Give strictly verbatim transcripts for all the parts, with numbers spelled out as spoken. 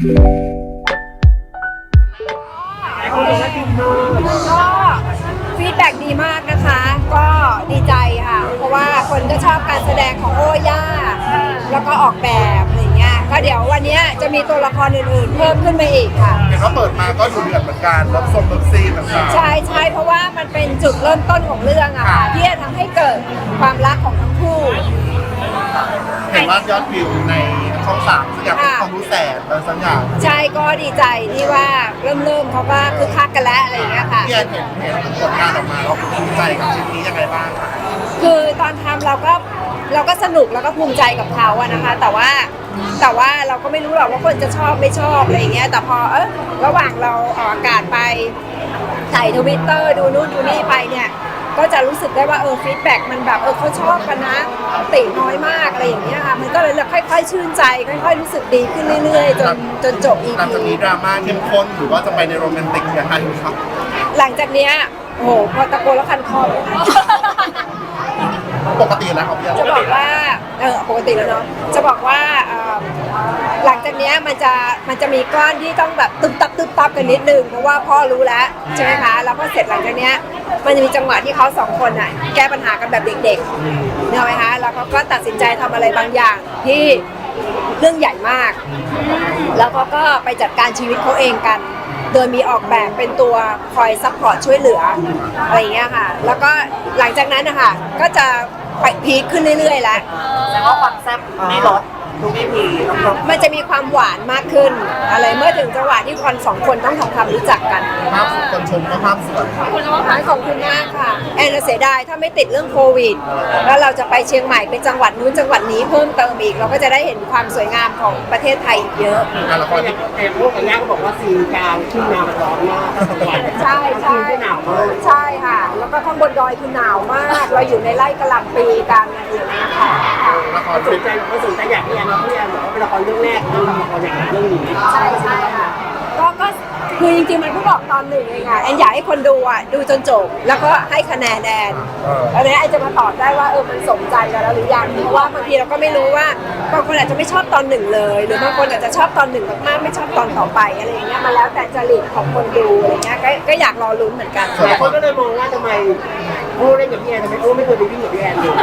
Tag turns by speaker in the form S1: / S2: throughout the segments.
S1: ก็ฟีดแบ็กดีมากนะคะ ก็ดีใจค่ะ เพราะว่าคนก็ชอบการแสดงของโอ้ย่าแล้วก็ออกแบบอะไรเงี้ยก็เดี๋ยววันนี้จะมีตัวละครอื่นๆ เพิ่มขึ้นมาอีกค่ะ
S2: เห็นว่าเปิดมาก็ดูเดือดเหมือนกันรับทรงรับซีนต่างๆ
S1: ใช่ใช่เพราะว่ามันเป็นจุดเริ่มต้นของเรื่องอะค่ะที่จะทำให้เกิดความรักของทั้งคู่
S2: เห็นว่ายอดวิวในช่องสามสักอย่างเป็นความรู้แสนอะไรสักอย่าง
S1: ใช่ก็ดีใจที่ว่าเริ่มเริ่มเขาก็คือคักกันแล้วอะไรอย่างเงี้ยค่ะ
S2: พี่แอนเห็นเห็นผลงานออกมาแล้วภูมิใจกับชิ้นนี้ยังไงบ้างคะ
S1: คือตอนทำเราก็เราก็สนุกแล้วก็ภูมิใจกับเขาอะนะคะแต่ว่าแต่ว่าเราก็ไม่รู้หรอกว่าคนจะชอบไม่ชอบอะไรอย่างเงี้ยแต่พอเออระหว่างเราออกอากาศไปถ่ายทวิตเตอร์ดูนู่นดูนี่ไปเนี่ยก็จะรู้สึกได้ว่าเออฟีดแบ็กมันแบบเออเขาชอบกันนะติน้อยมากอะไรอย่างเงี้ยค่ะมันก็เลยค่อยๆชื่นใจค่อยๆรู้สึกดีขึ้นเรื่อยๆจนจนจบ อี
S2: หลัง
S1: พี
S2: จากนี้ดราม่าเข้มข้นหรือว่าจะไปในโรแมนติกยังไงครับ
S1: หลังจากเนี้ยโอ้โหพอตะโกนแล้วคันคอ
S2: ปกติแล้วครับพี่แอน
S1: จะบอกว่าเออปกติแล้วเนาะจะบอกว่าหลังจากนี้มันจะมันจะมีก้อนที่ต้องแบบตึ๊บตับตึ๊บตับกันนิดนึงเพราะว่าพ่อรู้แล้วใช่ไหมคะแล้วพอเสร็จหลังจากนี้มันจะมีจังหวะที่เขาสองคนอ่ะแก้ปัญหากันแบบเด็กๆเนี่ยไหมคะแล้วเขาก็ตัดสินใจทำอะไรบางอย่างที่เรื่องใหญ่มากแล้วเขาก็ไปจัดการชีวิตเขาเองกันโดยมีออกแบบเป็นตัวคอยซัพพอร์ตช่วยเหลืออะไรอย่างเงี้ยค่ะแล้วก็หลังจากนั้นนะคะก็จะไปพีคขึ้นเรื่อยๆแล้ว
S3: แต่ว่าความแซ่บไม่ลดทุกอีพี
S1: มันจะมีความหวานมากขึ้นอะไรเมื่อถึงจังหวะที่คนสองคนต้องทำความรู้จักกัน
S2: ภาพคนชมก็ภาพสวย
S1: คุณว่าภาพขอบคุณมากค่ะแอนเสียดายถ้าไม่ติดเรื่องโควิดแล้วเราจะไปเชียงใหม่เป็นจังหวัดนู้นจังหวัดนี้เพิ่มเติมอีกเราก็จะได้เห็นความสวยงามของประเทศไทยอีกเยอะ
S2: การละครที่
S3: เอ็มพวกอย่างเงี้ยก็บอกว่าซีนกลางทุ่งนาร้อนมาก
S1: ใช่ใช่หนาวมากใช่ค่ะแล้วก็ข้างบนดอยคือหนาวมากเราอยู่ในไร่กะหล่ำปีกันอะไรอย่างเงี้ยค่ะ
S2: ละคร
S3: สนใจว่าสนใจอยากพี่แอนพี่แอนบอกว่าเป็นละครเรื่องแรกเรื่องละครอย่างเรื่องนี้
S1: ใช่ใช่ค่ะก็ก็คือจริงๆมันเพิ่งบอกตอนหนึ่งเองค่ะแอนอยากให้คนดูอ่ะดูจนจบแล้วก็ให้คะแนนแอนแล้วนี้แอนจะมาตอบได้ว่าเออมันสมใจเราแล้วหรือยังเพราะว่าบางทีเราก็ไม่รู้ว่าบางคนอาจจะไม่ชอบตอนหนึ่งเลยหรือบางคนอาจจะชอบตอนหนึ่งมากๆไม่ชอบตอนต่อไปอะไรอย่างเงี้ยมาแล้วแต่จริตของคนดูอะไรเงี้ยก็ก็อยากรอลุ้นเหมือนกัน
S3: หลายคนก็เลยมองว่าทำไมโอ้เล่นกับพี่แอนทำไมโอ้ไม่เคยไปวิ่งกับพี่แอนเลย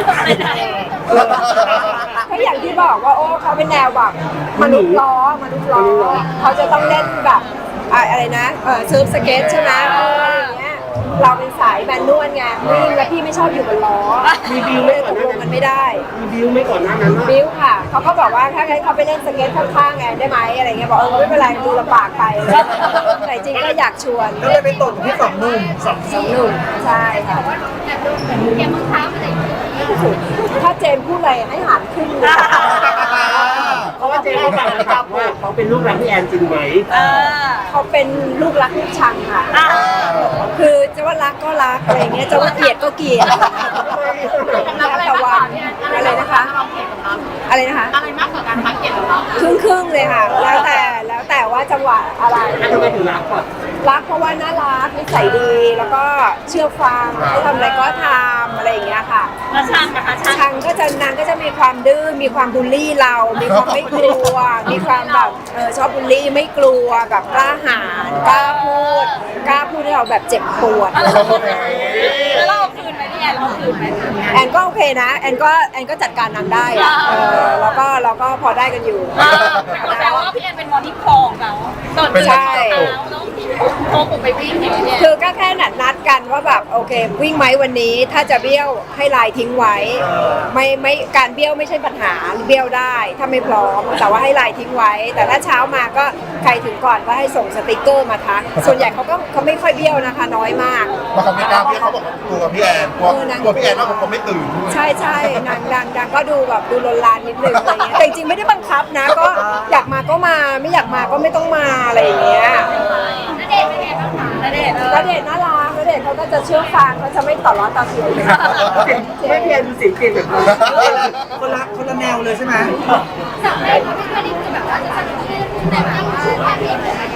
S1: ก็อย่างที่บอกว่าโอ้เขาเป็นแนวแบบมนุษย์ล้อมนุษย์ล้อเขาจะต้องเล่นแบบอะไรนะเออเซิร์ฟสเก็ตใช่ไหมอะไรอย่างเงี้ยเราเป็นสายแมนนวลไงวิ่งแล้วพี่ไม่ชอบอยู่บนล้อ
S3: มีบิวไม่ก่อนหน้า
S1: นั้นไม่ได้
S3: มีบิวไม่ก่อนหน้านั้น
S1: บิวค่ะเขาก็บอกว่าถ้าให้เขาไปเล่นสเก็ตข้างๆไงได้ไหมอะไรเงี้ยบอกเออไม่เป็นไรดูลำบากไปแต่จริงก็อยากชวน
S2: ก็เลยไปตกที่สองหนุ่ม
S1: สองหนุ่มใช่ค่ะ
S4: เกมมังคับอะไร
S1: ถ้าเจมพูดอะไรให้หานขึ้น
S3: เพราะว่าเจมเขาบอกนะครับว่าเขาเป็นลูกรักพี่แอนจริงไหม
S1: เขาเป็นลูกรักลูกชังค่ะคือจะว่ารักก็รักอะไรเงี้ยจะว่าเกลียดก็เกลียด
S4: อะไรมากกว่า
S1: อะไรนะคะอะไรนะคะ
S4: อะไรมากกว่าการพักเกลียดของเรา
S1: ครึ่งครึ่งเลยค่ะแล้วแต่แล้วแต่ว่าจังหวะอะไร
S3: ทำไมถึงรักก่อน
S1: รักเพราะว่าน่ารักนิสัยดีแล้วก็เชื่อฟังให้ทำอะไรก็ทำอะไรอย่างเงี้ยค่ะ
S4: แล้วช่างนะคะ
S1: ช่างก็จะนางก็จะมีความดื้อมีความบูลลี่เรามีความไม่กลัวมีความแบบเออชอบบูลลี่ไม่กลัวแบบกล้าหาญกล้าพูดกล้าพูดให้เราแบบเจ็บปวด
S4: แล้วเราคืนไหมพี่แอนเราคืนไหม
S1: แอนก็โอเคนะแอนก็แอนก็จัดการนางได้อะเออแล้วก็เราก็พอได้กันอยู่
S4: แปลว่าพี่แอนเป็นมอนิคองเรา
S1: ใช่
S4: โทรผมไปวิ่งอย่างเงี้ย
S1: คือก็แค่นัดนัดกันว่าแบบโอเควิ่งไหมวันนี้ถ้าจะเบี้ยวให้ไลน์ทิ้งไว้ไม่ไม่การเบี้ยวไม่ใช่ปัญหาเบี้ยวได้ถ้าไม่พร้อมแต่ว่าให้ไลน์ทิ้งไว้แต่ถ้าเช้ามาก็ใครถึงก่อนก็ให้ส่งสติกเกอร์มาทักส่วนใหญ่เขาก็เขาไม่ค่อยเบี้ยวนะคะน้อยมาก
S2: บางคนไม่กล้าพี่เขาบอกกลัวพี่แอนกลัวกลัวพี่แอนว่าผมไม่ตื่น
S1: ใช่ใช่นางดังดังก็ดูแบบดูลนลานนิดนึงอะไรเงี้ยแต่จริงไม่ได้บังคับนะก็อยากมาก็มาไม่อยากมาก็ไม่ต้องมาอะไรอย่างเงี้ย
S4: ณเดชน์เป็นไงบ้างคะณเดชน์
S1: ณเดชน์น่ารักณเดชน์เขาก็จะเชื่อฟังเขาจะไม่ต่อร้อนต่อเสียง
S3: ไม่เพียนเสียงเปลี่ยนแบบ
S2: คนละคนละแนวเลยใช่ไหม
S4: สำเร็จเขาไม่เคยได้คือแบบว่าจะสนุกแต่แบบว่าแค่เพลงอะไร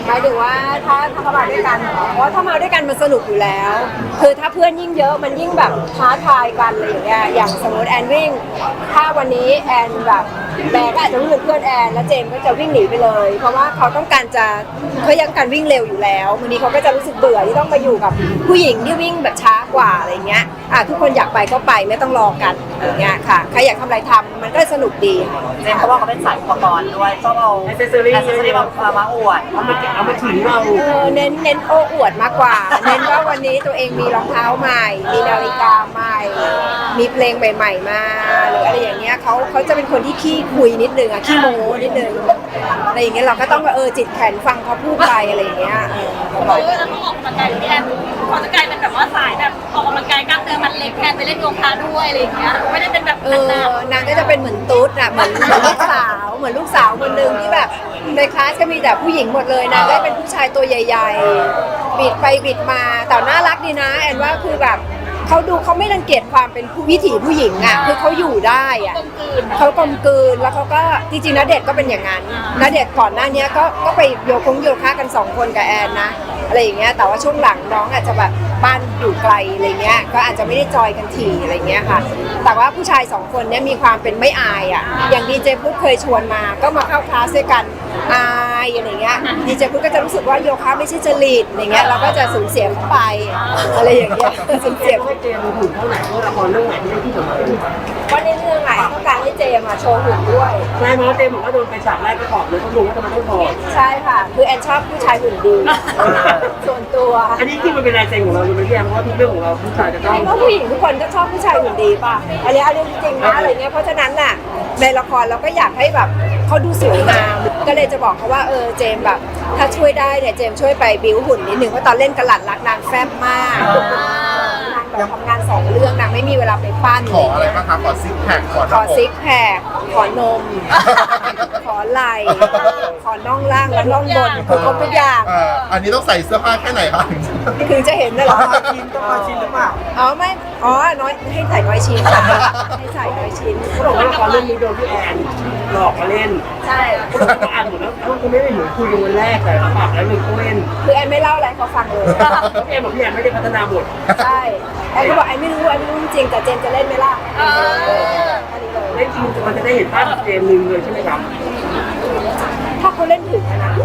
S1: หมายถึงว่าถ้าถ้าเขามาด้วยกันเหรอเพราะถ้ามาด้วยกันมันสนุกอยู่แล้ว คือถ้าเพื่อนยิ่งเยอะมันยิ่งแบบท้าทายกันอะไรอย่างเงี้ยอย่างสมมติแอนวิ่งถ้าวันนี้แอนแบบแบร์ก็อาจจะวิ่งเป็นเพื่อนแอนแล้วเจมส์ก็จะวิ่งหนีไปเลย เพราะว่าเขาต้องการจะเขายังการวิ่งเร็วอยู่แล้ววันนี้เขาก็จะรู้สึกเบื่อที่ต้องมาอยู่กับผู้หญิงที่วิ่งแบบช้ากว่าอะไรเงี้ยอ่ะทุกคนอยากไปก็ไปไม่ต้องรอกันอย่างเงี้ยค่ะใครอยากทำอะไรทำมันก็สนุกดี
S5: เจมส์เขาบอกเขาเป็นสายอุปกรณ์ด้วยต้องเอา
S3: แอคเซสซอรี่
S5: แอคเซสซอรี่มามาอวด
S3: เอามาเอามาถึงเรา
S1: เออเน้นเน้นโอ้อวดมากกว่า เน้นว่าวันนี้ตัวเองมีรองเท้าใหม่ มีนาฬิกาใหม่ มีเพลงใหม่ๆมาหรืออะไรอย่างเงี้ยเขาเขาจะเป็นคนที่ขี้คุยนิดนึงอะขี้โม้นิดนึงอะไรอย่างเงี้ยเราก็ต้องเออจิตแข็งฟังเขาพูดไปอะไรอย่างเงี้ยเออ
S4: เออแล้วเขาออกกำลังกายพี่แอนเขาจะกลายเป็นแบบว่าสายแบบออกกำลังกายกล้ามเนื้อมันเล็กแทนไปเล่นโยคะด้วยอะไรอย่างเงี้ยไม่ได้เป็นแบบ
S1: เอ
S4: หนัก
S1: อนางก็จะเป็นเหมือนตุ๊ดอะเหมือนเหมือนลูกสาวเหมือนลูกสาวคนหนึ่งที่แบบในคลาสก็มีแต่ผู้หญิงหมดเลยนางก็เป็นผู้ชายตัวใหญ่ๆบิดไปบิดมาแต่น่ารักดีนะแอนว่าคือแบบเขาดูเขาไม่รังเกียจความเป็นผู้วิถีผู้หญิงอ่ะคือเขาอยู่ได้อ่ะ
S4: ๆกลมกลืน
S1: เขากลมกลืนแล้วเขาก็จริงๆณเดชน์ก็เป็นอย่างนั้นณเดชน์ก่อนหน้านี้ก็ก็ไปโยคงโยคะกันสองคนกับแอนนะอะไรอย่างเงี้ยแต่ว่าช่วงหลังน้องอาจจะแบบบ้านอยู่ไกลอะไรเงี้ยก็อาจจะไม่ได้จอยกันทีอะไรเงี้ยค่ะแต่ว่าผู้ชายสองคนเนี้ยมีความเป็นไม่อายอ่ะอย่างดีเจพุทธเคยชวนมาก็มาเข้าคลาสด้วยกันอายอะไรเงี้ยดีเจพุทธก็จะรู้สึกว่าโยคะไม่ใช่จริตอะไรเงี้ยเราก็จะสูญเสียเข้าไปอะไรอย่างเงี้ยสูญ
S3: เจ
S1: เสีย
S3: มส์ให้เจมส์หุ่นเท่าไหร่เพราะละครเรื่องไหนที่ได้ที่สำคัญ
S1: ว่าในเรื่องอะต้องการให้เจมมาโชว์หุ่นด้วย
S3: ใช่เพราะว่าเจมส์บอกว่าโดนไปฉากแรกก็ถอดเลยเขาดูว่าทำไมต้องถอด
S1: ใช่ค่ะ คือแอนชอบผู้ชายหุ่นดีส่วนตัว
S3: อันนี้ที่มันเป็นลายเซ็นของเราเลยไม่ใช่เพราะว่าทุกเรื่องของเราผู้ชายจะต้อง
S1: เพราะผู้หญิงทุกคนก็ชอบผู้ชายหุ่นดีป่ะอันนี้อันนี้จริงๆนะอะไรเงี้ยเพราะฉะนั้นน่ะในละครเราก็อยากให้แบบเขาดูสวยงามก็เลยจะบอกเขาว่าเออเจมแบบถ้าช่วยได้เนี่ยเจมช่วยไปบิ้วหุ่นนิดนึงเพราะตอนเล่นกระหลัดรักนางแฟบมากนางแบบทำงานสองเรื่องนางไม่มีเวลาไปปั้น
S2: ขออะไรบ้างคะขอซิกแพคขอห
S1: ข
S2: น้า
S1: อ
S2: อก
S1: ซิกแพคขอนม ขอไหล่ขอน่องล่างและน่องบนคือครบทุกอย่าง
S2: เอ่ออันนี้ต้องใส่เสื้อผ้าแค่ไหนคะ
S1: ถึงจะเห็นได้เหรอ
S3: ชิ้นต้องมาชิ้นหรือเปล่า
S1: อ๋อไม่อ๋อน้อยให้ใส่น้อยชิ้นค่ะให้ใส่น้อยชิ้น
S3: เขาบอกว่าละครเรื่องนี้โดนพี่แอนหลอกมาเล่น
S1: ใช่
S3: เขาบอกว่าอ่านหมดแล้วเขาไม่ได้เหมือนคุยกันวันแรกแต่เขาปากแล้วเลยเขาเล่น
S1: คือแอนไม่เล่าอะไรเขาฟังเลย
S3: พี่แอนบอกพี่แอนไม่ได้พัฒนาบท
S1: ใช่แอนก็บอกแอนไม่รู้แอนไม่รู้จริงแต่เจนจะเล่นไหมล่ะ
S4: เออ
S1: อันนี้เลย
S3: เล่นจริงมันจะได้เห็นภาพเกมหนึ่งเลยใช่ไหมครับ
S1: ถ้าเขาเล่นถึงอะนะ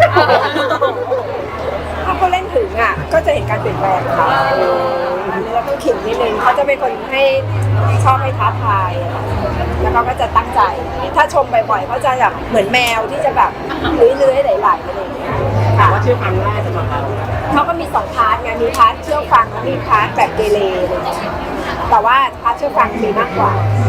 S1: ถ้าเขาเล่นถึงอ่ะก็จะเห็นการเปลี่ยนแปลงเขาอันนี้เราต้องขิงนิดนึงเขาจะเป็นคนให้ชอบให้ท้าทาย แล้วเขาก็จะตั้งใจ ถ้าชมบ่อยๆเขาจะแบบเหมือนแมวที่จะแบบเลื้อยๆไหลๆอะไรอย่างเงี้ย
S3: ถาม
S1: ค่ะ
S3: ว่าเชื่อฟังง่ายสำหรับเรา
S1: เขาก็มีสองพาร์ทไงมีพาร์ทเชื่อฟังและมีพาร์ทแบบเกเรอะไรอย่างเงี้ยแต่ว่าพาร์ทเชื่อฟังมีมากกว่า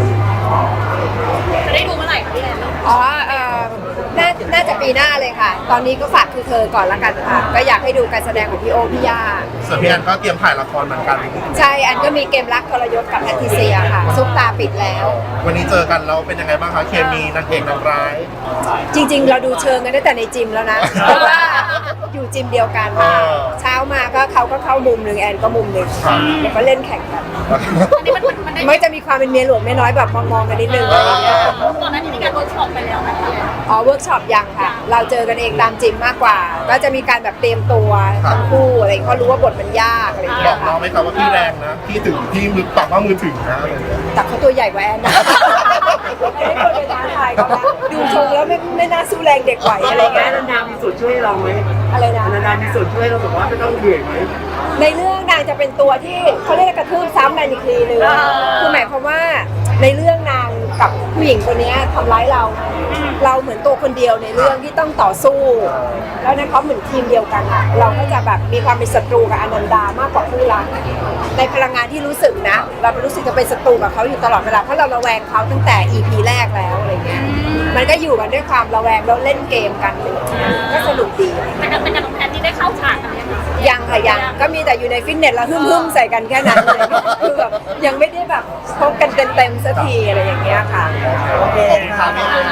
S4: จะได้ดูเมื่อไหร่คะพี่แอน
S1: อ๋อเอ่อน่าน่าจะปีหน้าเลยค่ะ ตอนนี้ก็ฝากคือเธอก่อนละกันค่ะ ก็อยากให้ดูการแสดงของพี่โอพี่ย่า
S2: ส่วนพี่แอนก็เตรียมถ่ายละครเหมือนกัน
S1: ใช่อันก็มีเกมรักทรยศกับแพทริเซียค่ะ ซุปตาปิดแล้ว
S2: วันนี้เจอกันแล้วเป็นยังไงบ้างคะเคมีนางเอกนางร้าย
S1: จริงๆ เราดูเชิงกันตั้งแต่ในจิมแล้วนะ เพราะว่าอยู่จิมเดียวกัน
S2: เออ
S1: เช้ามาก็เขาก็เข้ามุมหนึ่งแอนก็มุมหนึ่ง
S2: ครับ
S1: แล้วก็เล่นแข่งกัน
S4: อันนี้มันมันได้
S1: ไม่จะมีความเป็นเมียหลวงเมียน้อยแบบมองๆกันนิดนึงอะไรอย่างเงี้ย
S4: ตอนนั้นที่มีการเวิร์กช็อปไปแล้วนะคะ
S1: อ๋อเวิร์กช็อปยังค่ะ เราเจอกันเองตามจิมมากกว่า ก็จะมีการแบบเตรียมตัวทั้งคู่อะไรอย่างเงี้ยเพราะรู้ว่าบทมันยากอะไรอย่าง
S2: บ
S1: เงี้
S2: อย กน้
S1: ค่ะ
S2: องไหมคะว่าพี่แรงนะพี่ถึงพี่มือปากว่ามือถึงนะอะไรอย่างเงี้ย
S1: แต่เขาตัวใหญ่กว่าแอนนะไม่ได้ควรไปท้าทายเขานะดูทรงแล้วไม่ไม่น่าสู้แรงเด็กไหวอะไร
S3: แม่
S1: เงี้ย
S3: นันดามีส่วนช่วยเราไหม
S1: อะไรนะ
S3: นันดามีส่วนช่วยเราแบบว่าไม่ต้องเหนื่อยไหม
S1: ในเรื่องนางจะเป็นตัวที่เขาเรียกกระทืบซ้ำกันอีกทีนึงคือหมายความว่าในเรื่องนางกับผู้หญิงคนนี้ทำร้ายเรา เราเหมือนตัวคนเดียวในเรื่องที่ต้องต่อสู้ แล้วนั้นเขาเหมือนทีมเดียวกันอะเราก็จะแบบมีความเป็นศัตรูกับอนันดามากกว่าคู่รักในพลังงานที่รู้สึกนะ เรารู้สึกจะเป็นศัตรูกับเขาอยู่ตลอดเวลาเพราะเราระแวงเขาตั้งแต่ อี พี แรกแล้วอะไรเงี้ยมันก็อยู่กันด้วยความระแวงแล้วเล่นเกมกันอะไรเลยก็สนุกดี
S4: แต่การแต่การของแพทนี่ได้เข้าฉากกันยังไง
S1: ยังค่ะยังก็มีแต่อยู่ในฟิตเนสแล้วฮึ่มๆใส่กันแค่นั้นเลยคือแบบยังไม่ได้แบบพบกันเต็มๆสักทีอะไรอย่างเงี้ยค่ะ
S2: โอเคค่ะพี่แอน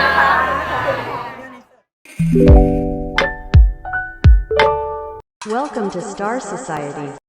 S6: Welcome to Star Society.